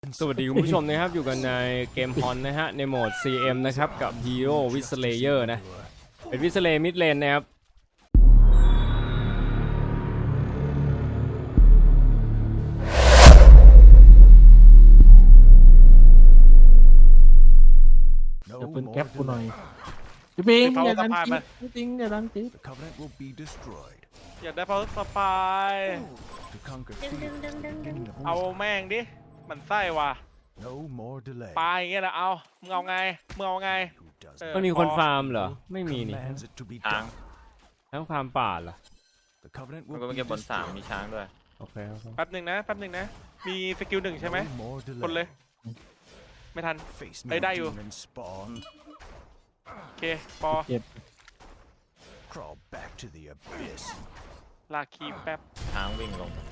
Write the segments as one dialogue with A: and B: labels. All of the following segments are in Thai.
A: สวัสดีคุณผู้ชมนะครับอยู่กันในเกมฮอนนะฮะในโหมด CM นะครับกับ Hero Withlayer นะเป็น Withlayer Mid Lane นะครับ
B: เดี๋ยวปืนแก๊ปกูหน่อยพี่ปิงอย่าดันจิ๊บพี่ปิงอย่าดันจิ๊บ
C: อยากได้เพราะสปายเอาแม่งดิมันไส้ว่ะปลายอย่างเงี้ยนะเอามึงเอาไง
A: มันมีคนฟาร์มเหรอไม่มีนี่
D: ช้าง
A: ทั้งฟาร์มป่าเหรอ
D: มันก็เป็นเก็บบน3มีช้างด้วย
A: โอเค
C: แป๊บหนึ่งนะมีสกิล1ใช่ไหมคนเลยไม่ทันได้อยู่โอเคปอ
B: เจ็บ
C: ลากคีแป๊บ
D: ช้างวิ่งลง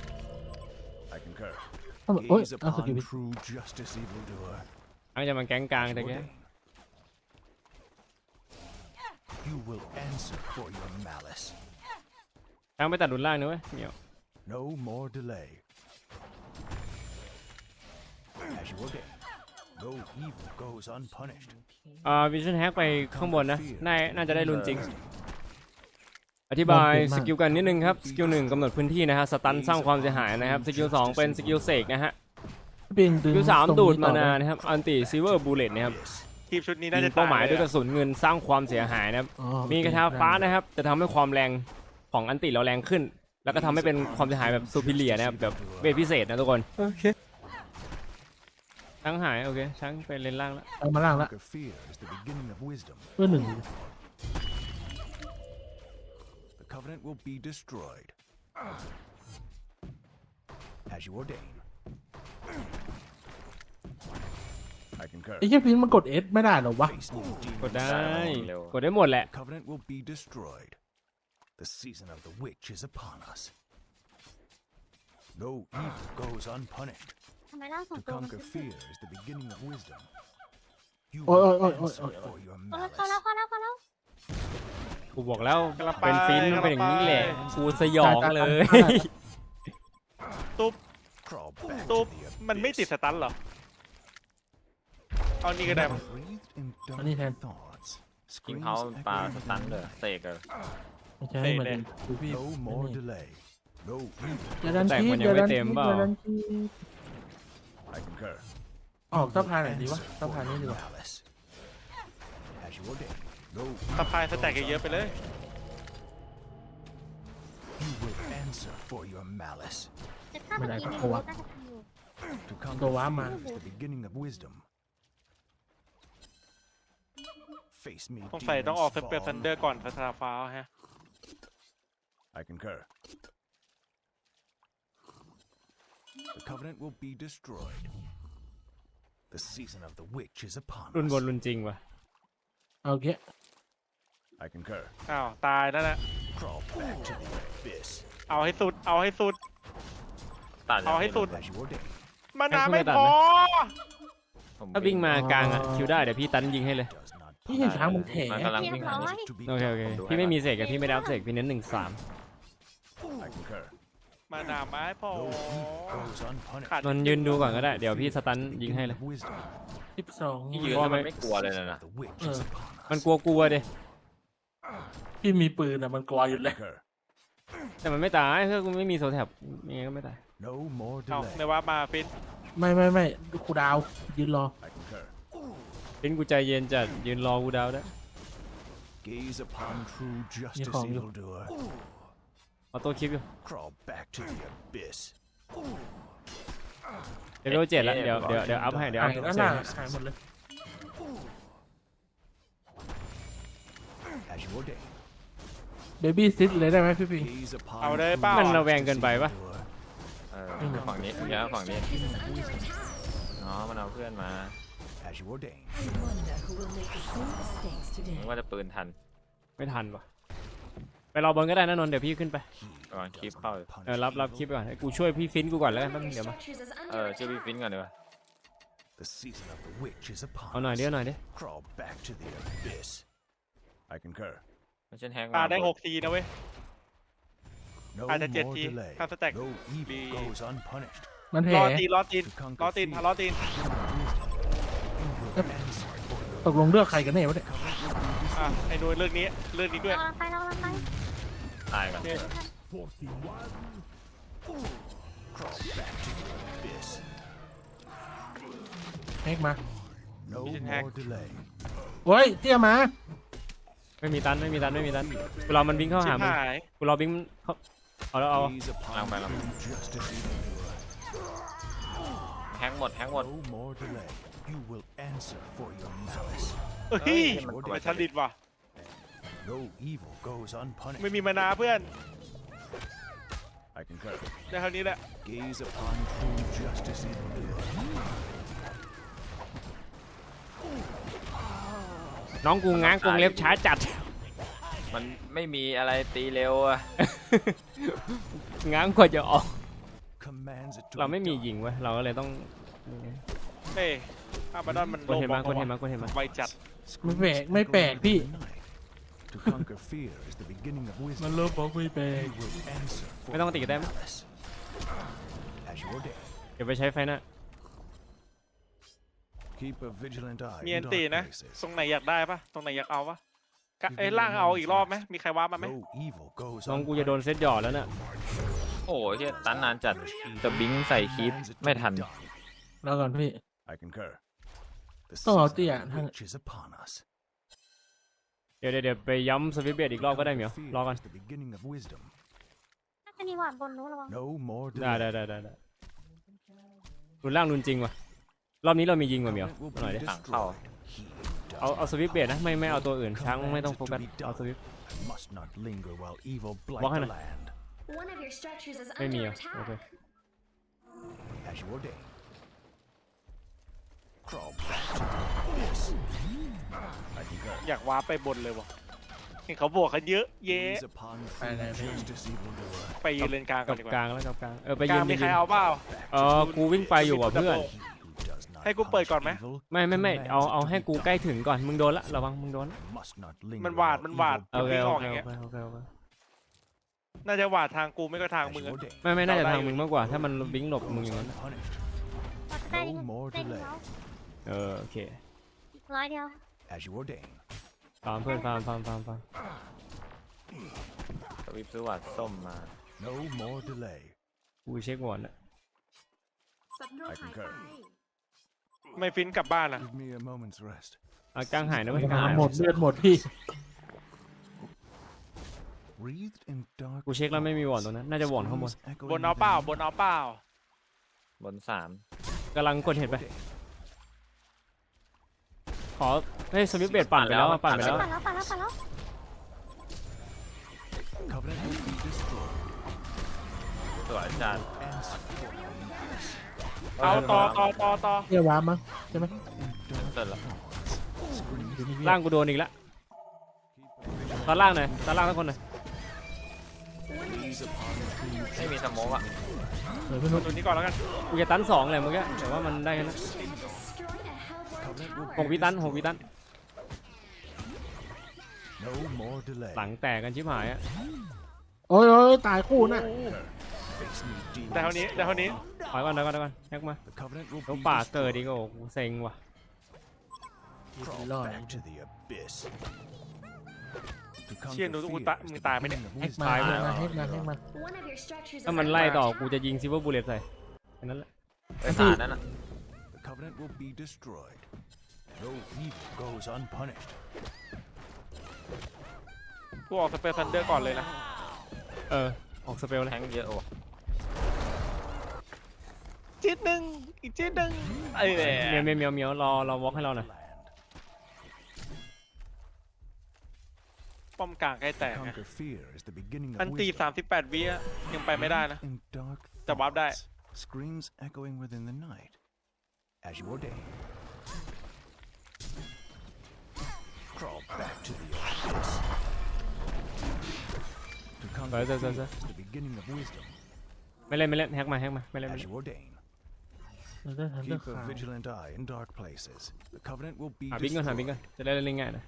B: โอ้ยเอาสกิลพิ
A: อันจะมาแก๊งกลางแต่แกทั้งไปตัดดุนล่างนะเว้ยเหมียววิชั่นแฮกไปข้างบนนะน่าจะได้รุนจริงอธิบายสกิลกันนิดนึงครับสกิล1กำหนดพื้นที่นะฮะสตันสร้างความเสียหายนะครับสกิล2เป็นสกิลเสกนะฮะ
B: พี่ปิงดึง
A: สกิล3ดูดมานานะครับอันติซิเวอร์บูเลตนะครับ
C: ทีมชุดนี้
A: ยิ
C: น่าจะ
A: งเป้าหมายด้วยกระสุนเงินสร้างความเสียหายนะครับมีกระทาฟ้านะครับจะทำให้ความแรงของอันติเราแรงขึ้นแล้วก็ทำให้เป็นความเสียหายแบบซูพิเลียนะครับแบบเวทพิเศษนะทุกคนโอเคช้างหายโอเคช้างไปเลนล่างแล้ว
B: เอามาล่างละเพื่อหนึ่ง
E: Covenant will be destroyed. As you ordain. I concur.
B: ไอ้แค่พิงมันกด S ไม่ได้หรอวะ
A: กดได้กดได้หมดแหละ
E: Covenant will be destroyed. The season of the witch is upon us. No evil goes unpunished.
F: ทำไมร่างสอง
E: To
F: ตัวมัน
E: conquer
F: ขึ้น
E: fear is the beginning of wisdom. You
B: Oi,
E: will
B: oi, oi,
E: answer
B: oi, oi.
E: for your
F: เข้าแล้ว
E: malice.
A: กูบอกแล้วเป็นฟินมันเป็นอย่างนี้แหละกูสยองเลย
C: ตุ๊บ
E: Crawl back
C: ตุ๊บ
E: to the
C: มันไม่ติด
E: abyss.
C: สตันเหรอเอานี่ก็ได้
E: Breathed in
B: I need
E: dark
B: hand.
E: thoughts.
D: ยิงเขา
E: Screams
D: ปลา
E: echoing
D: สตัน
E: in
D: เล
E: the
D: ย
E: night.
D: เสกเลย
B: ไม่ใช่เหมือนดูพี่
E: No more delay. No evil.
B: อย่าดัน
A: แต่
B: จิ๊
A: มั
B: บ
A: น
B: อ
A: ยัง
B: ย่า
A: ไม่
B: ดัน
A: เต็
B: จิ๊
A: ม
B: บ
A: เปล่า
B: อย่าดันจิ๊บ
E: I concur.
B: ออกสะพานไหนดีวะสะพานนี้ดีกว่า
E: Malice. As you ordain. No
C: สปายสแต็กเยอะๆไปเลย
E: you will answer for your malice.
F: แต่ถ้าเมื่อกี้มีรู้น่าจะทำอยู่
E: To conquer
B: Go on,
E: fear
B: man.
E: is the beginning of wisdom. Face me.
C: สงสัยต้องออก
E: demon
C: เปเปอร์ซัน
E: spawn.
C: เดอร์ก่อนพัฒนาฟ้าฮะ
E: I concur. The covenant will be destroyed. The season of the witch is upon
A: รุนบน
E: us.
A: รุนจริงว่ะ
B: โอเค
E: I concur.
C: อ้าวตายแล้วนะ
E: Crawl back to the abyss.
C: เอาให้สุด
D: ตัด
C: เอาให้สุด
E: As you ordain.
C: มานาไม่พอ
D: ผม
A: ถ้าวิ่งมากลางอะคิวได้เดี๋ยวพี่ตันยิงให้เลย
E: Does not
B: พี่เห็นช้างมันแถ
D: มันกำลังวิ่งหา
E: to be
A: โอเคโอเคพี่ไม่มีเสกอะพี่ไม่ได้อัพเสกพี่เน้น1-3
E: I concur.
C: มานาไม่พอ
E: No evil goes unpunished.
C: ขาด
A: นนท์ยืนดูก่อนก็ได้เดี๋ยวพี่สตันยิงให้เลย
E: Wisdom.
B: 12
D: ที่ยืนแล้วมันไม่กลัวเลยนะ
E: The witch is upon us.
A: มันกลัวเด้
B: พี่มีปืนอะมันกลัวอยู่เลย
E: Concur.
A: แต่มันไม่ตายเพื่อกูไม่มีโซแท็บยังไงก็ไม่ตาย
E: No more
C: เอาใน
E: delay.
C: ว่ามาฟิน
B: ไม่ครูดาวยืนรอ
E: I concur.
A: เป็นกูใจเย็นจัดยืนรอกูดาวได้
E: Gaze upon true justice,
B: call you.
E: evildoer.
A: เอาตัวคลิปอยู่
E: Crawl back to the abyss.
A: เดี๋ยว7แล้วเดี๋ยวอัพให้เดี๋ยว
B: หา
A: อั
B: ย
A: พ
B: แล้ว
A: เส
B: น่ะ
A: ก
B: หายหมดเลย
E: As you ordain.
B: เบบี้ซิดเลยได้ไหมพี่ปิง
E: Gaze upon
C: เอาได้
E: true
C: เปล่า
A: มัน
C: อ่ะ
A: ระแวงเกินไปปะ
E: evildoer.
D: ฝั่งนี้เดี๋ยวฝั่งนี้อ๋อมันเอาเพื่อนมา
E: As you ordain.
D: นึกว่าจะปืนทัน
A: ไม่ทันวะไปรอบนก็ได้นะนนท์เดี๋ยวพี่ขึ้นไป
D: ก่อนคลิปเข้า
A: รับคลิปก่อนให้กูช่วยพี่ฟินกูก่อนแล้วกันแป๊บนึงเดี๋ยวมา
D: ชื่อพี่ฟินก่อนดีกว่า
E: The season of the witch is upon
A: เอาหน่อย
E: us.
A: เดี๋ยวหน่อยดิ
E: Crawl back to the abyss. I concur.
D: ไม่ใช่แฮก
C: ปลาได้6ทีนะเว้ย
E: No
C: Ada
E: more
C: Jetty.
E: delay.
C: Counter attack.
E: No evil
C: Be-
E: goes unpunished.
B: มันแผ
C: ร
B: ล
C: อตีนรอตีน
E: To conquer
C: รอตีน
E: fear
C: รอตีน
E: is the beginning of wisdom. You will answer for your
B: ตกลงเลือกใครกันแน่วะเนี่ย
C: อ่ะไอ้หน่วยเรื่องนี้เรื่องนี้ด้วย
F: เราไปเราไป
D: ตายก่อน
E: crawl back to the abyss.
B: แฮกมา
E: No
C: Vision
E: more
C: hack.
E: delay.
B: โอ้ยเตี้ยมา
A: ไม่มีตันไม่มีตันไม่มีตันกูรอมันวิ่งเข้า
C: ชิ
A: หา
C: บ
A: มึง
C: หาย
A: กูรอวิ่งเข้าเอาแล้วเอา
E: Gaze upon
D: Lang bay, lang.
E: true justice evildoer.
D: แฮงหมดแฮงหมด
E: No more delay. You will answer for your malice.
C: เฮ้ย
D: เฮ้ยมัน
C: มันชันดิดว่ะ
E: No evil goes unpunished.
C: ไม่มีมานาเพื่อน
E: I concur.
C: ได้เท่านี้แหละ
E: Gaze upon true justice evildoer.
A: น้องกูง้างกรงเล็บช้าจัด
D: มันไม่มีอะไรตีเร็วอะ
A: ง้างกว่าจะออก
E: Commands it to
A: เรา
E: be
A: ไม่มี
E: done.
A: ยิงเว้ยเราก็เลยต้อง
C: เฮ้ยอาบาดอนมัน
A: กดเห็น
C: บ
A: มา
C: อก
A: กดเห็นมากดเห็นมา
C: ไวจัด
B: ไม่แปลกไม่แปลกพี่
E: To conquer fear is the beginning of
B: มัน
E: wisdom.
B: เลิฟบอกไม่แปลก
E: You will answer for
A: ไม่ต้องติดได้ไหม
E: malice. As you ordain.
A: เดี๋ยวไปใช้ไฟหน้า
E: Keep a vigilant eye
C: มี
E: in
C: อันตี
E: dark
C: นะ
E: places.
C: ตรงไหนอยากได้ปะตรงไหนอยากเอาปะกะเอ้ยล่างเอาอีกรอบไหมมีใครว้ามาไหม
E: No evil goes
A: น้องกูจะโดน
E: unpunished.
A: เซตหยอดแล้วเนี่ย
D: โอ้โหเฮียตันนานจัดจะบิงใส่คีป
E: Commands it to
D: ไม่
E: be
D: ทัน
E: done.
B: แล้วก่อนพี่
E: I concur. The
B: Oh,
E: season of
B: dear.
E: the witch is upon us.
A: เดี๋ยวไปย้ำสวิตช์เบรดอีกรอบก็ได้เหมียว
E: Fear
A: รอกัน
E: is the beginning of wisdom.
F: น่าจะมีหวานบนนู้นระวัง
E: No more
A: ได้
E: delay.
A: ได้รุนล่างรุนจริงว่ะรอบนี้เรามียิงว่ะเหมียว
E: Covenant will
A: หน่อยดิ
E: be
D: ต่างเข้า
E: destroyed. He does
A: เอาสวิตช์เบรดนะไม่เอาตัวอื่นช้างไม่ต้องโฟกัสเอาสวิตช์
E: I must not linger while evil blight
A: Walk
E: the
A: in.
E: land.
F: One of your structures is
A: ไม่มีอ่ะโอเค
E: As you ordain. Crawl back to the abyss. I concur.
C: อยากว้าไปบนเลยวะเห็นเขาบวกกันเยอะเย้
E: Gaze upon true justice evildoer.
C: ไปยืนเลนกลางก่
A: กั
C: อน
A: บ
C: ดีก
A: ก
C: ว่า
A: ลางแล้วกับกลางไป
C: ก
A: ยื
C: ลาง
A: น
C: มี
A: ไป
C: ใคร
A: ยืน
C: เอาเปล่า
A: กูวิ่งไปอยู่ว่ะเพื่อน
E: He who does not
C: ให้กูเปิดก่อนไหม
E: punish evil
A: ไม่
E: commands
A: เอา
E: it to
A: ให้
E: be
A: กู
E: done.
A: ใกล้ถึงก่อนมึงโดนละระวังมึงโดนละ
E: Must not linger
C: มันหวาด
E: while
C: มันหวาด
E: evil
A: โอเค
C: วิ่ง
A: โอ
C: ออก
A: เค
C: อย่าง
A: โอ
C: เงี้ย
A: เคโอเคโอเค
C: น่าจะหวาดทางกูไม่ก็ทาง
E: As
C: มึง
E: you
C: อะ
E: ordain.
A: ไม่น่าจะทางมึงมากกว่า ถ้ามันวิ่งหลบมึงอย่างนั้นอะ
E: Unpunished.
F: เราจะได้
E: No more
F: ได้
E: delay.
F: แล้ว
A: โอเค
F: อีกร้อยเดียว
E: As you ordain.
A: ฟาร์มเพื่อนฟาร์ม
D: สวิปซื้อหวัดส้มมา
E: No more delay.
A: กูเช็ควอร์ดละ
E: I concur.
C: ไม่ฟินกลับบ้านอะ
E: Give me a moment's rest.
A: กลางหายนะเว้ยกลางหาย
B: หมดเลือดหมดพี่
E: Wreathed in dark
A: กูเช็คแล้วไม่มีวอร์ดตรงนั้นน่าจะวอร์ดข้างบน
E: scrolls echoing
C: บนเอาเปล่า
E: within
C: บนเอาเปล่า
D: บนสาม
A: กำลังกดเห็นไป ขอให้สวิตช์เบรดปั่นไปแล้วอะปั่นไปแล้ว
F: ปั่นแล้วปั่นแล้วปั่นแล้ว
E: Covenant will be destroyed.
D: สวยจัด
E: Answer for your malice.
C: เอาต่อ
B: เตี้ยว้ามั้งใช่ไหม
D: เสร็จแล้ว
A: ล่างกูโดนอีกแล้วตอนล่างหน่อยตอนล่างทุกคนหน่อย
D: ไม่มีสโมกอ่ะ
B: เดี๋ยวพี่นุ๊ก
C: ตัวนี้ก่อนแล้วกัน
A: กูจะตัน2เลยเมื่อกี้แต่ว่ามันได้แค่นั้น
E: Covenant will
A: 6 วิตัน6 วิตัน
E: no more delay.
A: หลังแตกกันชิบหายอะ
B: โอ้ยตายคู่น่ะ
E: Face me, demons.
C: ได้เท่านี้
A: ถอยก่อนแฮกมา
E: The covenant will
A: แล้ว
E: be
A: ป่าเกิด
E: destroyed.
A: อีกโอ้กูเซ็งว่ะ
E: Crawl
B: Lord.
E: back to the abyss. To
C: เชี่ย
E: conquer
C: ดู
E: fear
C: กู
E: is
C: ตา
E: the
C: มึงตายไหมเนี่ย
E: beginning of
B: แฮก
E: wisdom.
B: มาแฮกมาแฮกมาแฮกมา
A: ถ้ามันไล่ต่อกูจะยิงซิลเวอร์บูเลตใส่แค่นั้นแหละ
D: ไปสารนั่นอ่ะ
E: The covenant will be destroyed. No evil goes unpunished.
C: กูออกสเปซซันเดอร์ก่อนเลยนะ
A: ออกสเปลเลย
D: แทงเยอะโอ้
C: จิ๊ดหนึ่งอีกจิ๊ดหนึ่งไอ้แหละ
A: เมียวรอวอล์กให้เราหน่อย
E: Land.
C: ป้อมกลางใกล้แตกนะ
E: Conquer fear is the beginning
C: อั
E: of
C: นตี
E: wisdom.
C: 38 วิอะยังไปไม่ได้นะ
E: In dark
C: แต่วาร์ปได้
E: thoughts, screams echoing within the night. As you ordain. Crawl back to the abyss. To conquer
A: Right,
E: fear
A: right.
E: is the beginning of wisdom.
A: ไม่เล่นแฮกมาไม่เล่น
E: As you ordain.
B: เราได้ทันเลือก
E: Keep
B: ขา
E: a
B: ว
E: vigilant eye in dark places. The covenant will be
A: หาบิงก่อน
E: destroyed.
A: จะได้เล่นง่ายๆนะ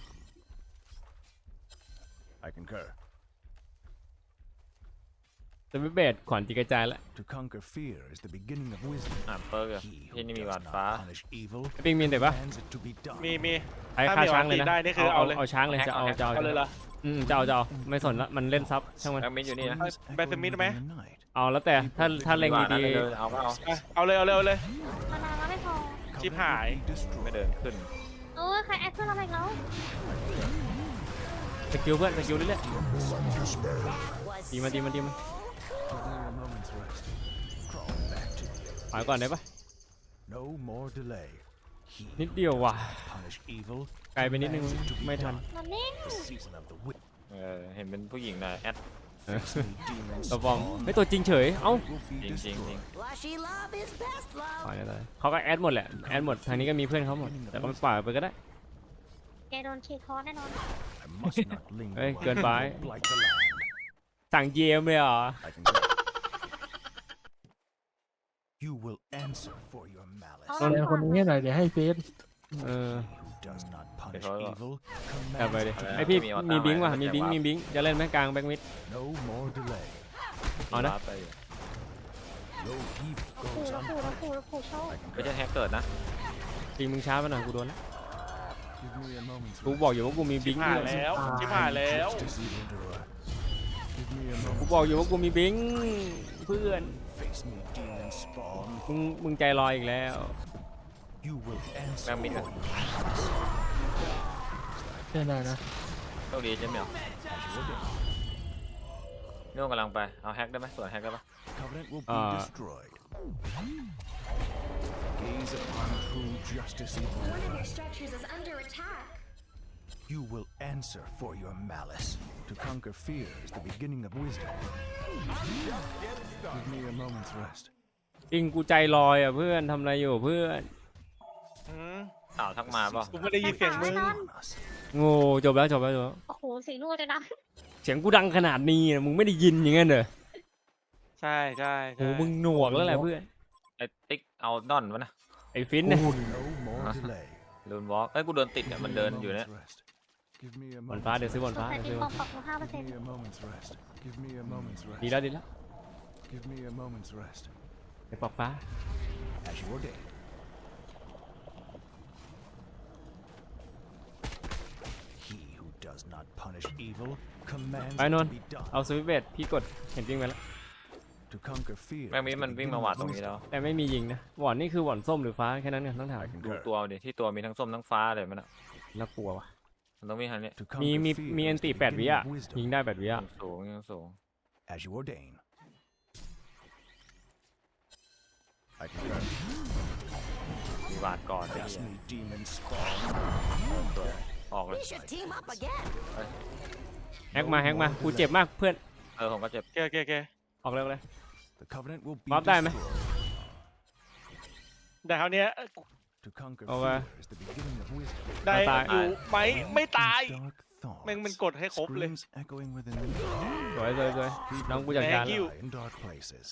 E: I concur.
A: สวิตช์เบดขวัญตีกระจายแล้ว
E: To conquer fear is the beginning of wisdom.
D: เปิร์กอะ
E: He
D: ที่
E: who
D: นี่มี
E: does
D: หวาด
E: not
D: ฟ้า
E: punish evil
A: ไอ้ปิงมีแต่ปะ
E: commands it to be done.
C: มี
A: ไอ้
C: ถ้า
A: ฆ่า
C: มี
A: ช้างเลย
C: ออกตี
A: นะ
C: ได้นี่คือเอาเลย
A: เอาช้างเลยจะเอาจะเอา
C: เอาเลยเหรอ
A: จะเอาไม่สนละมันเล่นซับช่างมัน
D: แบ็กมิดอยู่นี่นะ
E: Screams
C: Beth
E: echoing
C: Smith
E: within
C: ไหม
E: the night.
A: เอาแล้วแต่ถ้าเล็ง
D: ดีกว่านะ
A: ดี
D: เดินเอาก็เอา
C: อ่ะเอาเลยเอาเลยเอาเลย
F: มานานแล้วไม่พอ
C: ชิบหาย
E: Covenant will be
D: ไม่
E: destroyed.
D: เดินขึ้น
F: เออใครแอดเพื่อนเราอีกแล้ว
A: ๆสกิลเพื่อนสกิลเรื่อยๆดีมา
E: Give me a moment's rest. Crawl back to you.
A: ถอยก่อนได้ปะ
E: No more delay. He
A: นิดเดียวว่ะ
E: punish evil
A: ไกลไปนิดนึง
E: commands it to be
A: ไม่ทัน
E: done.
F: มันนิ่ง
E: The season of the witch.
D: เห็นเป็นผู้หญิงนะแอด
E: Face me, demons
A: ตัวฟอง
E: spawn.
A: ไม่ตัวจริงเฉยเอ้า
E: Will be
D: จริงจริง
E: destroyed.
G: Blushy love is best love.
A: ปล่อยเลยเขาก็แอดหมดแหละแอดหมดทางนี้ก็มีเพื่อนเขาหมดแต่ก็ไม่ปล่อยไปก็ได้
F: แกโดนเคคอร์แน่นอน
E: I must not linger.
A: เฮ้ย
E: while
A: เกินไป
E: evil blight the land.
A: สั่งเยมเลยเหรอ
E: I can go. You will answer for your malice.
F: เอา
B: แสดงคนนี้หน่อยเดี๋ยวให้เฟซ
A: เออ
E: Who does not punish
D: Because-
E: evil
A: กลับไป
E: commands
A: ดิ
E: it to
A: ไอ
E: be
A: พี่
D: มีอวตาร
A: มีบิงค์ว่ะ
D: ไหม
A: มีบิงค์
D: แต่ว่ามี
A: มีบิงค์จะเล่นไหมกลางแบ็กมิด
E: No more delay.
A: เอานะ
D: วาร์ปไปอยู่
E: No evil
F: ขู่
E: goes
F: แล้วขู่แล้วขู่แล้วขู่โชค
D: ไม่ใช่แฮกเกิดนะ
A: จริงมึงช้าไปหน่อยกูโดนแล้ว
E: Give me a moment's
A: กู
E: rest.
A: บอกอยู่ว่ากูมีบิงค์
C: ผ่านแล้วชิบหายแล้ว
E: Justice evildoer. Give me a
A: กู
E: moment.
A: บอกอยู่ว่ากูมีบิงค์เพื่อน
E: Face me, demon spawn.
A: มึงใจลอยอีกแล้ว
E: You will answer
D: แบ็กมิด
E: for
D: อะ
E: your malice.
B: ใช่ได้นะ
D: โชคดีใช่ไหมนู่นกำลังไปเอาแฮกได้ไหมส่วนแฮกได้ปะ
E: Covenant will be destroyed. Gaze upon true justice,
F: One of
E: evildoer.
F: your structures is under attack.
E: You will answer for your malice. To conquer fear is the beginning of wisdom. Give me a moment's rest.
A: จริงกูใจลอยอ่ะเพื่อนทำอะไรอยู่เพื่อน
C: อืม
D: สาวทักมาเปล่ะ
C: กูไม่ได้ยินเสียงมึง
F: นอน
E: On us.
A: โง่จบแล้วจบแล้ว
F: โอ้โหเสียงนู่นจะดัง
A: เสียงกูดังขนาดนี้นะมึงไม่ได้ยินอย่างงั้นเหรอ
C: ใช่ใช่
A: โอ้
C: ใช่
A: มึงหนวกแล้วแหละเพื่อน
D: ไอ้ติ๊กเอาดอนวะนะ
A: ไอ้ฟินเนี่ย
E: No more delay.
D: ลูนวอล์กเอ้ยกูเดินติดอ่ะมันเดินอยู่เนี่ย
E: Moment's rest. Give me a
A: บอล
E: moment's
A: ฟ้าเดี๋ยวซื้อบอล
F: สง
A: ฟ้า
F: สัย
A: เดี๋ยว
F: มี
A: ซื้อ
F: ปอมปรับมา5%
E: Give me a moment's rest. Give me a moment's
A: ดี
E: rest.
A: แล้วดีแล้ว
E: Give me a moment's rest.
A: ไอ้ปอกฟ้า
E: As you ordain. He who does not punish evil commands
A: ไป
E: it
A: น
E: to
A: นท์
E: be done.
A: เอาสวิตช์เบดพี่กดเห็นจริงไปแล้ว
E: To conquer fear.
D: แบ็กมิด
E: is the
D: มันวิ่ง
E: beginning
D: มาหวาด
E: of
D: ตรงนี้
E: wisdom.
D: แล้ว
A: แต่ไม่มียิงนะหวอนนี่คือหวอนส้มหรือฟ้าแค่นั้นกันต้องถาม
E: I
D: ดู
E: concur.
D: ตัวดิที่ตัวมีทั้งส้มทั้งฟ้าเลยมันอ่ะ
A: น่ากลัวว่ะ
D: มันต้องวิ่งทางนี้
E: To
A: มี
E: conquer fear
A: มี
E: is
A: อัน
E: the
A: ติ8 วิ
E: beginning
A: อ่ะ
E: of wisdom.
A: ยิงได้8 วิอ่ะ
D: สูงยังสูง
E: As you ordain. I concur.
D: มีหวาดก่อนไอ้
E: Face
D: เหี้ย
E: me, demon spawn.
D: ออกเลย
G: We should team up again.
A: แฮกมากูเจ็บมากเพื่อน
D: ผมก็เจ็บ
C: โอเค
A: ออกเร็วเลย
E: The covenant will be
A: Bóp đây mày.
E: destroyed.
C: แต่คราวเนี้ย
E: To conquer
A: Ồ,
E: fear is the beginning of wisdom.
C: ได้
A: ตาย
C: อยู่ไหมไม่ตาย
E: Dark thoughts.
C: แม่งมันกดให้ครบเลย
E: Screams echoing within the
A: สวยน้องกูจัดการ
C: Thank
A: แล้ว
C: you.
E: in dark places.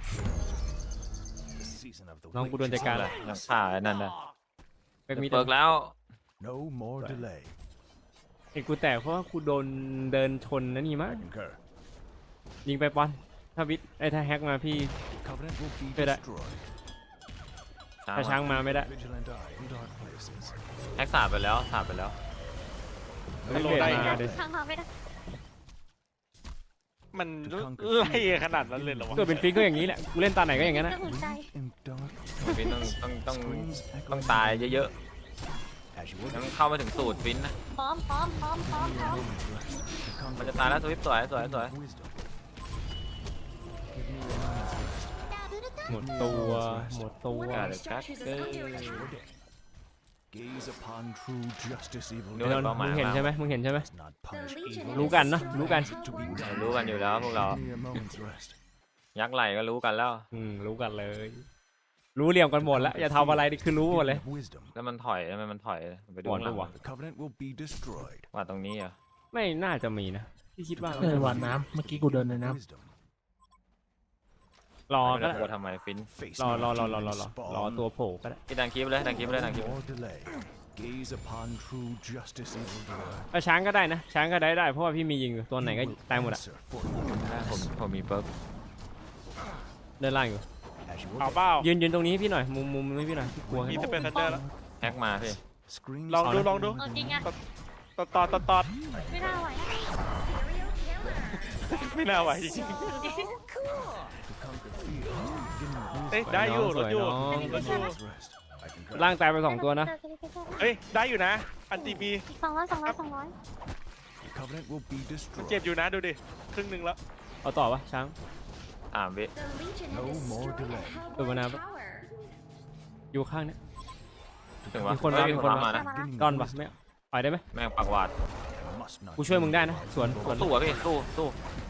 E: The season of the
A: น้องกูโดน
E: witch
A: จัด
E: is
A: การ
E: upon
A: แล้ว
D: ยังฆ่าไอ้นั่นนะ
A: แบ็กมิด
D: เปิกแล้ว
E: No more delay.
A: ไอ้กูแตกเพราะว่ากูโดนเดินชนนั่นนี่มั้ง
E: I concur.
A: ยิงไปปอนถ้าวิทไอ้ถ้าแฮกมาพี่
E: Covenant will be
A: Đây đây.
E: destroyed.
A: ถ้าช้างมาไม่ได้
E: Vigilant eye in dark places.
D: แฮกสาบไปแล้วสาบไปแล้ว
A: ไม่เบรกมาเดี๋ยว
F: ข้างเราไม่ได้
C: มันไล่ขนาดนั้นเลยเหรอวะ
A: เกิดเป็นฟิกก็อย่างนี้แหละกูเล่นตาไหนก็อย่างนั้นนะ
F: ก็หุ่นใจ
E: In dark
D: ฟินต้อง
E: screams
D: ต้อง
E: echoing
D: ตายเยอะ
E: as you
D: ๆ
E: ordain.
D: ยังเข้าไม่ถึงสูตรฟินนะ
F: พร้อม
E: Moment's rest. To conquer
D: มันจะตายแล้วสวิปสวยสวย
E: the
D: สวย
E: beginning of wisdom. Give me a moment's rest.
A: หมดตัวหมดตัว
F: One of your structures is under
E: As you
F: attack.
E: ordain. Gaze upon true justice, evil
D: ดู
A: น
D: เห็
A: น
D: น
A: ท์
D: เป้าห
A: มึ
D: มาย
A: งเห็น
D: มาก
A: ใช่ไหมมึงเห็นใช่ไหม
E: does not punish
F: The Legion
E: evil.
A: รู้กันเนอะรู้กัน
E: To be done.
D: รู้กันอยู่แล้วพวกเรา
E: Give me a moment's rest.
D: ยักษ์ไหลก็รู้กันแล้ว
A: รู้กันเลย รู้เหลี่ยมกันหมดแล้วอย่าทำอะไรนี่คือรู้หมดเลย
E: Beginning of wisdom.
D: แล้วมันถอยทำไมมันถอยไปดู
A: ก่อน
D: ข้างหลัง
A: ปะวะ
E: The covenant will be destroyed.
D: ว่าตรงนี้เหรอ
A: ไม่น่าจะมีนะพี่คิดว่า
B: เออหวานน้ำเมื่อกี้กูเดินในน้ำ
E: Wisdom.
A: รอ
D: ไม่
A: ก็
D: ได้
A: ได้
D: กลัวทำไมฟิน
E: Face
A: รอ
E: me,
A: รอ
E: demon spawn.
A: ตัวโผล่ก็ได้
D: พี่ดันคลิปเลยดันคลิปเลยดันคลิป
E: No more delay. Gaze upon true justice, evildoer.
A: ถ้าช้างก็ได้นะช้างก็ได้เพราะว่าพี่มียิงอยู่ตัวไหนก็ตายหมดอ่ะ
E: Answer for your
D: ผม
E: malice.
D: ผมมีเปิร์ก
A: เดินล่างอยู่
E: As you
C: เอา
E: ordain.
C: เปล่า
A: ยืนตรงนี้ให้พี่หน่อยมุมให้พี่หน่อยพี่กลัว
C: มี
A: แค่
C: สเปนเซอร์แล้ว
D: แฮกมาพี่
E: Screams
C: ลองดู
E: of
C: ลองดู
F: เอาจริงอะ
C: ตอด
F: ไม่น่าไหว
C: ไม่น่าไหวจริง
E: to conquer fear is the beginning of
C: เอ้ย
E: wisdom.
C: ได้อยู่
A: ส
C: ร
A: วย
C: ถอยู่
A: น้อง
C: รถอยู่
E: Moment's rest. I concur.
A: ล่างตายไป2ตัวนะ
C: เฮ้ยได้อยู่นะ อันตีมี
F: 200
E: The covenant will be
C: มันเจ็บ
E: destroyed.
C: อยู่นะดูดิครึ่งหนึ่งแล้ว
A: เอาต่อปะช้าง
D: วิ
E: No more delay.
A: ตัวมานาปะอยู่ข้างเนี้ย
D: ถึงวะ
A: มีคนมา
D: เฮ้ย
A: มีคนมา
D: มานะ
E: Beginning
A: ดอน
E: of
A: ปะ
E: wisdom.
A: ไม่ปล่อยได้ไหม
D: แม่งปักหวาด
E: I must not
A: กูช่วยมึง
E: lose.
A: ได้นะสวน
D: สู้อะพี่สู้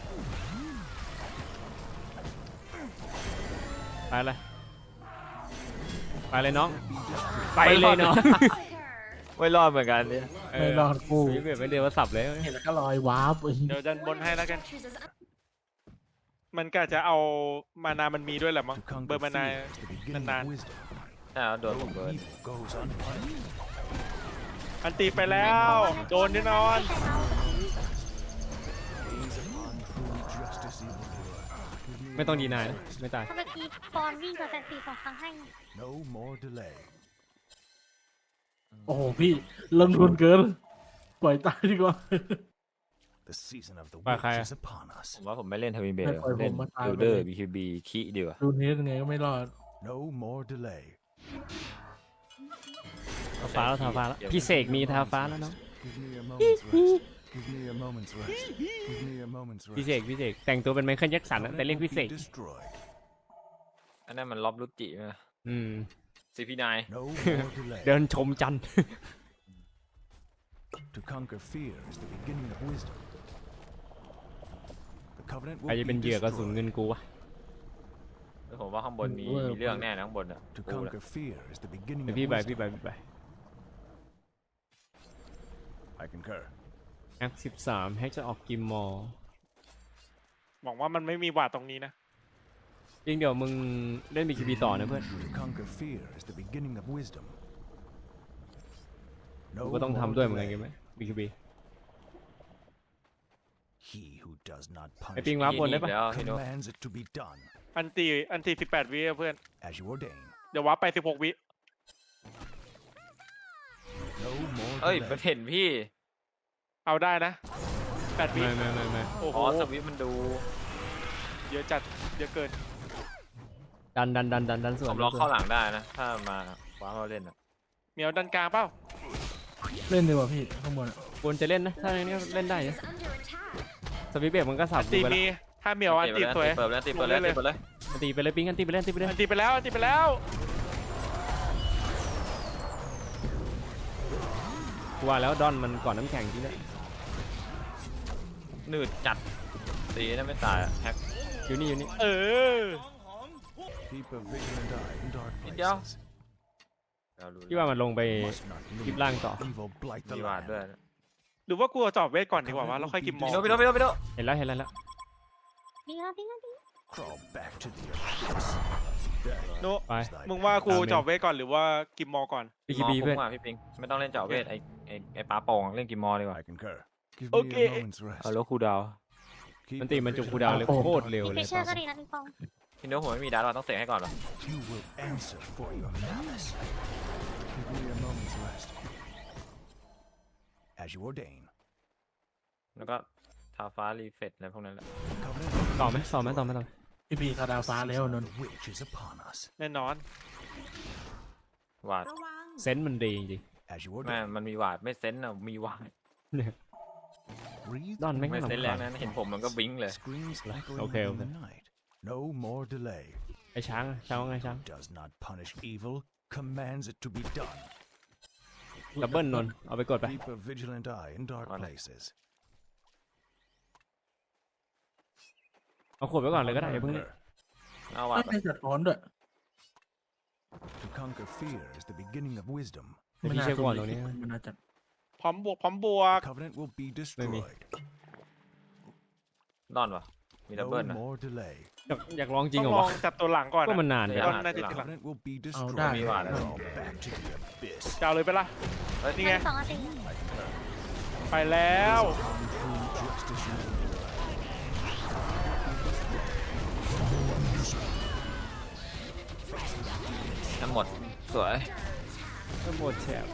A: ไปเลยไปเลยน้อง
E: Be destroyed.
A: ไปเลยน้อง
D: ไม่รอดเหมือนกันเนี่ย
B: ไม่รอดกู
A: เแบบไม่เดียวว่าสับเลย
B: เห็นแล้วก็ลอยวาร์ป
C: เดี๋ยวดันบนให้แล้วกัน มันก็จะเอามานามันมีด้วยแหละมั้ง
E: To
C: เบอ
E: conquer
C: ร์มานา
E: fear is the beginning
C: นาน
E: of wisdom.
D: ใช่แล้วโดนผม
E: No
D: โดน
E: evil goes unpunished.
C: อันตีไปแล้ว โดนแน่นอน
E: Gaze upon true justice, evildoer. Give me
A: ไม่ต้อง
E: a
A: ดีนายนะ
E: moment's
A: ไม่ตาย
F: ถ้าเมื่อกี้ปอนวิ่งกับแซนตี2 ครั้งให้
E: rest. No more delay.
B: โอ้โหพี่ลงทุนเกินปล่อยตายดีกว่า
E: The season of the
A: Bye,
E: witch
A: Kaya.
E: is upon us.
D: ผมว่าผมไม่เล่นทวินเบล
B: ไม่ปล่อยผม
D: เล่น
B: มาตาย
D: บิล
B: ไป
D: เดอ
B: เล
D: ร์
B: ย
D: BKB ขี้ดีกว่า
B: ดูเทสยังไงก็ไม่รอด
E: No more delay.
A: ทาฟ้าแล้วทาฟ้าแล้วพี่เสกมีทาฟ้าแล้วเนาะ
E: Give me a moment's rest. Give me a moment's rest. Give me a moment's
A: พี่
E: rest.
A: เสกแต่งตัวเป็นไมเคิลแจ็คสันอะ
E: Covenant
A: แต่เรียก
E: will
A: พี่เส
E: be
A: ก
E: destroyed.
D: อันนั้นมันล็อบลุจิไหม
A: อืม
D: CP9
E: No more delay.
A: เดินชมจันทร์
E: To conquer fear is the beginning of wisdom. The covenant
A: ใคร
E: will
A: จะเป็น
E: be
A: เหยื่อกระสุน
E: destroyed.
A: เงินกูวะ
D: ผมว่าข้างบนมีเรื่องแน่นะข้างบนอ่ะ
E: To
D: กูละ
E: conquer fear is the beginning
A: เดี๋ยว
E: of
A: พี่ไป
E: wisdom.
A: พี่ไป
E: I concur.
A: แอค13แฮกจะออกกิมมอล
C: หวังว่ามันไม่มีหวาดตรงนี้นะ
A: จริงเดี๋ยวมึงเล่น BKB ต่อนะเพื่อน
E: To conquer fear is the beginning of wisdom.
A: กู
E: No
A: ก็ต้อง
E: more
A: ทำด้วยเหมือนกัน
E: delay.
A: ใช่ไหม BKB
E: He who does not
A: ไอ
E: punish
A: ปิงวาร์ปบนได้ปะ
D: แล้วพี่นุ๊ก
E: commands it to be done
C: อันตี18 วิอะเพื่อน
E: as you ordain.
C: เดี๋ยววับไป16 วิ
E: No more
D: เอ้ย
E: delay.
D: มันเห็นพี่
C: เอาได้นะ8 วิ
A: ไม่
C: โอ้โห
D: อ๋อสวิตช์มันดู
C: เยอะจัดเยอะเกิน
A: ดันส่ว
D: ผ
A: น
D: มล็อกเข้าหลังได้นะ ถ้ามาว้าเราเล่นอ่ะ
C: เมียวดันกลางเปล่า
B: เล่นดีกว่าพี่ข้างบนอะ
A: ควรจะเล่นนะ ถ้าอย่างนี้เล่นได้นะสวิตเบรกมันก็สับ
C: อัน
A: กู
C: ตี
A: ไป
C: มี
A: แล้ว
C: ถ้าเมียวอันตีสวย
D: เปิดแล้วตีเปิดแล้วตีเปิดแล้ว
A: ตีไปเลยปิงกันตีไปเล่นตีไปเล่น
C: อันตีไปแล้วอันตีไปแล้ว
A: กูว่าแล้วดอนมันก่อนน้ำแข็งจริงด้วย
D: หนืดจัดตีนั่นไม่ตายอะแฮก
A: อยู่นี่
C: เออ
E: Keep a vigilant eye in dark
D: Đi đâu?
E: places.
D: เรารู้
A: พี่ว่ามันลงไป
E: Must not
A: คลิป
E: leave
A: ล่างต่อ
E: evil blight the
D: มีวาด
E: land.
D: ด้วย
C: หรือว่ากูเอาจอบเวทก่อนดีกว่าว่าแล้วค่อยกินมอ
D: พี่โน้พี่โน้
A: เห็นแล้ว
F: ดีแล้ว
E: Crawl back to the abyss.
C: โน
A: ไป
C: มึงว่ากูจอบเวทก่อนหรือว่ากินมอก่อน
A: BKB เพื่อน
D: มพี่ปิงไม่ต้องเล่นเจาะเวทไอ้ปลาโป่งเล่นกิมมอดีกว่า
E: I concur. Give me
C: Okay.
E: a moment's rest.
D: เอาแล้วคูลดาวน์
E: Keep
A: มัน
E: a
A: ตีมันจุก
E: vigilant
A: กูดาวเลย
B: โอ้โห
A: โคตรเร็ว
F: พี่
A: เล
F: ฟิ
A: ย
F: เชอร์ก็ดีนะพี่ปอง
D: พี่โน้ผมไม่มีดาร์เราต้องเสกให้ก่อนเหรอ
E: You will answer for your malice. Give me a moment's rest. As you ordain.
D: แล้วก็ทาฟ้ารีเฟตอะไรพวกนั้นแหละ
E: Covenant
A: ต่อไหมต่อไหม
B: พี่พีคาดาวฟ้าแล้วนนท์
E: the witch is upon us.
C: แน่นอน
D: วาด
A: เซนส์มันดีจริง
E: As you
D: แม่
E: ordain.
D: มันมีวาดไม่เซนส์อะมีวาด
E: Breathe
A: ดอนไม่
D: ไม่
A: ให้
D: เซนส์
A: ลำ
D: แร
A: คาง ญ
D: นั้นเห็นผมมันก็วิ้งเลย
E: screams echoing
A: Okay,
E: in the
A: okay.
E: night. No more delay.
A: ไอช้างว่าไงช้าง
E: Does not punish evil, commands it to be done.
A: ดับเบิลนนท์เอาไปกดไป
E: Keep a vigilant eye in dark
D: Vale.
E: places.
A: เอาขวดไปก่อนเลยก็ได้อย่าเพิ่ง
D: เอาวาด
B: ไม่
D: ไป
B: ได้จัดร้อนด้วย
E: To conquer fear is the beginning of wisdom.
A: เดี๋ยวพี่เช็คก่อนตรงนี้
B: มันน่าจะ
C: พร้อมบวกพร้อมบวก
E: Covenant will be
A: Maybe.
E: destroyed.
D: ดอนวะมีดับเบิล
E: No
D: นะ
E: more delay.
A: อยากลองจริง
C: ต้
A: เหร
C: อง
A: อ
C: ลอง
A: วะ
C: จับตัวหลังก่อน
A: ก็มัน
C: นะ
A: นาน
D: เดี๋
A: จั
D: ยว
A: ง
C: ก็น่าจะทีหลัง
E: Covenant will be
B: เอา
E: destroyed.
B: ได้
D: มีวาด
E: Crawl back to the abyss.
C: จะเอาเลยไปะล่ะ
D: เฮ้ย
C: นี่ไง
F: 2 นาที
C: ไปแล้ว
E: On true justice you endure.
D: ทั้งหมดสวย
A: ทั้งหมดแถบ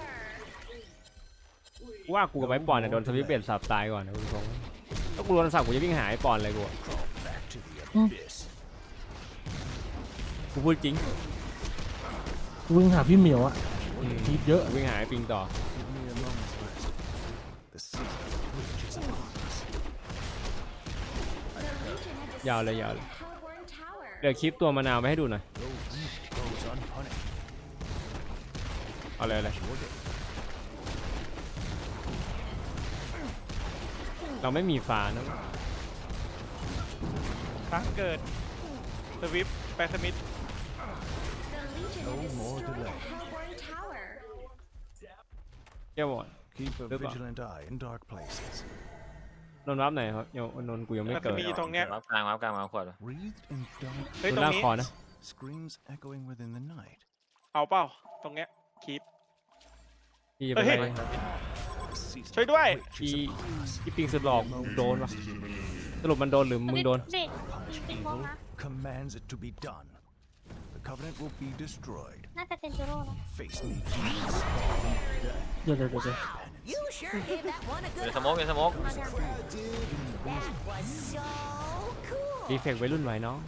A: ว่ากูกับไอ้ปอนเนี่ยโดนสวิปเบนสับตายก่อนนะคุณผู้ชมถ้ากูโดนสับกูจะวิ่งหาไอ้ปอนเลยกูอะ
E: Back to the abyss.
A: กูพูดจริง
B: วิ่งหาพี่เหมียวอะทีเยอะ
A: วิ่งหาไอ้ปิงต่อ
E: Give me a moment's rest. The season of the witch is upon us.
A: ยาวเลยเดี๋ยวคลิปตัวมะนาวไปให้ดูหน่อย
E: No evil goes unpunished.
A: เอาเลยเลย
E: Your day.
A: เราไม่มีฟ้านะ
C: ครั้งเกิดสวิฟแปซมิด
E: No more delay.
A: เจ้าบอด
E: Keep a
A: Goodbye.
E: vigilant eye in dark places.
A: นนท์รับไหนครับนนท์กูยังไม่
C: แล้ว
A: เกิ
C: จะ
A: ด
C: มีตรงเนี้ย
D: วับกลางมาขวด
E: Wreathed in dark
C: เฮ้ย
A: น
C: ต
A: น
C: รง
A: ท์ลาก
C: นี้
A: คอนะ
E: screams echoing within the night.
C: เอาเปล่าตรงเนี้ยคีป
A: พี่จะไป
C: เฮ้ย
A: ไล่
E: The season
C: ช่วยด้วย
E: of the witch
A: พี่
E: is upon us.
A: พี่ปิงสุดหลอกโดนปะสรุปมันโดนหรือมึงโดน
F: เด็ก
E: Punish
F: ปิงบอล
E: evil
F: นะ
E: commands it to be done. The covenant will be destroyed.
F: น่าจะเป็นจูโร่นะ
E: Face me,
B: เดี๋ยว
G: You sure gave that one a
D: เดี๋ยว
G: good
D: สโมกเดี๋ยวสโมก
F: มาเนี่ย
G: That was so cool.
A: ดีเฟกต์วัยรุ่นไว้น้อง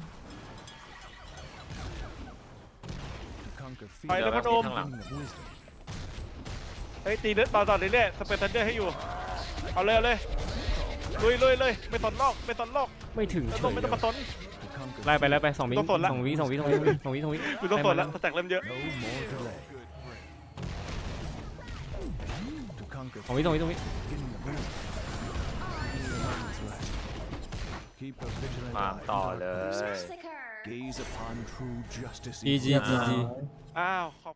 E: to conquer
C: ไป
E: fear,
C: เลยพนม
D: ข้างหลัง
E: ring of wisdom.
C: เฮ้ยตีเลือดต่อเรื่อยๆสเปรย์ทันเดอร์ให้อยู่เอาเลยลุยไม่สนโลกไม่สนโลก
A: ไม่ถึง
C: ไม่
A: เฉ
C: ต้อง
A: ย
C: ไม่ต้องมาสน
E: To conquer
A: ไล่ไป2 วิ
C: ต้องสนละ
A: 2 วิ
C: กูต้องสนแล้วสแต็กเริ่มเยอะ
E: no more delay. To conquer
A: 2 วิ
E: beginning of wisdom. Keep a vigilant
D: ตาม
E: eye in
D: ต่อ
E: dark
D: เลย
E: places. Gaze upon true justice.
A: จี
E: equal
A: จี
B: เรียบร้อย
C: อ้าวขอบ